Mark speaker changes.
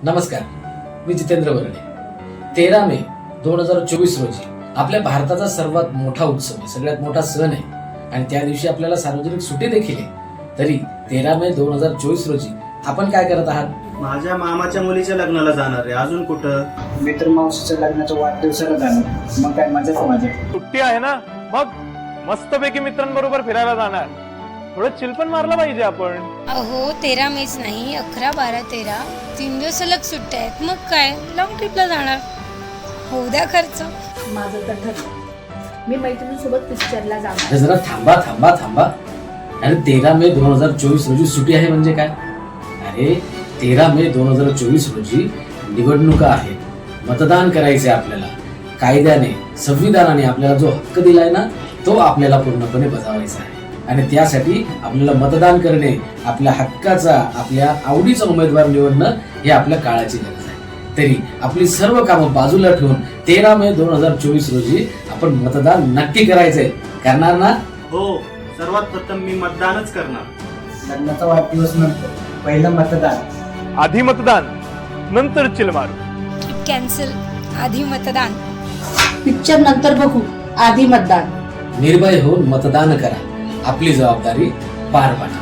Speaker 1: नमस्कार, मी जितेंद्र वर्णे. 13 मे 2024 रोजी आपल्या भारताचा सर्वात मोठा उत्सव आहे, सगळ्यात मोठा सण आहे आणि त्या दिवशी आपल्याला सार्वजनिक सुट्टी देखील आहे. तरी 13 मे 2024 रोजी आपण काय करत आहात?
Speaker 2: माझ्या मामाच्या मुलीच्या लग्नाला जाणार आहे. अजून कुठं?
Speaker 3: मित्र मावशीच्या लग्नाच्या वाढदिवसाला जाणार. मग काय मजाच माझ्या.
Speaker 4: सुट्टी आहे ना, मग मस्तपैकी मित्रांबरोबर फिरायला जाणार. थोडं चिल पण मारलं पाहिजे आपण.
Speaker 5: अहो 13 मेच नाही, 11, 12, 13 3 दिवस सलग सुट्ट्या आहेत. मग काय लॉंग ट्रिपला जाणार. होऊ द्या खर्च.
Speaker 6: माझं तर ठरलं, मी मैत्रिणीसोबत पिक्चरला जाणार.
Speaker 1: अरे जरा थांबा थांबा थांबा. अरे 13 मे 2024 रोजी सुट्टी आहे म्हणजे काय? अरे 13 मे 2024 रोजी निवडणुका आहेत, मतदान करायचे आपल्याला. कायद्याने, संविधानाने आपल्याला जो हक्क दिलाय ना, तो आपल्याला पूर्णपणे बजावायचा आहे आणि त्यासाठी आपल्याला मतदान करणे, आपल्या हक्काचा, आपल्या आवडीचा उमेदवार निवडणं हे आपल्या काळाची गरज आहे. तरी आपली सर्व कामं बाजूला ठेवून 13 मे 2024 रोजी आपण मतदान नक्की करायचंय. करणार ना?
Speaker 2: हो, सर्वात प्रथम मी मतदानच करणार.
Speaker 3: लग्नाचा वाढदिवस नंतर पहिलं मतदान.
Speaker 4: आधी मतदान, नंतर चिल मारू.
Speaker 5: ट्रिप कॅन्सल, आधी मतदान.
Speaker 6: पिक्चर नंतर बघू, आधी मतदान.
Speaker 1: निर्भय होऊन मतदान करा, आपली जबाबदारी पार पाडा.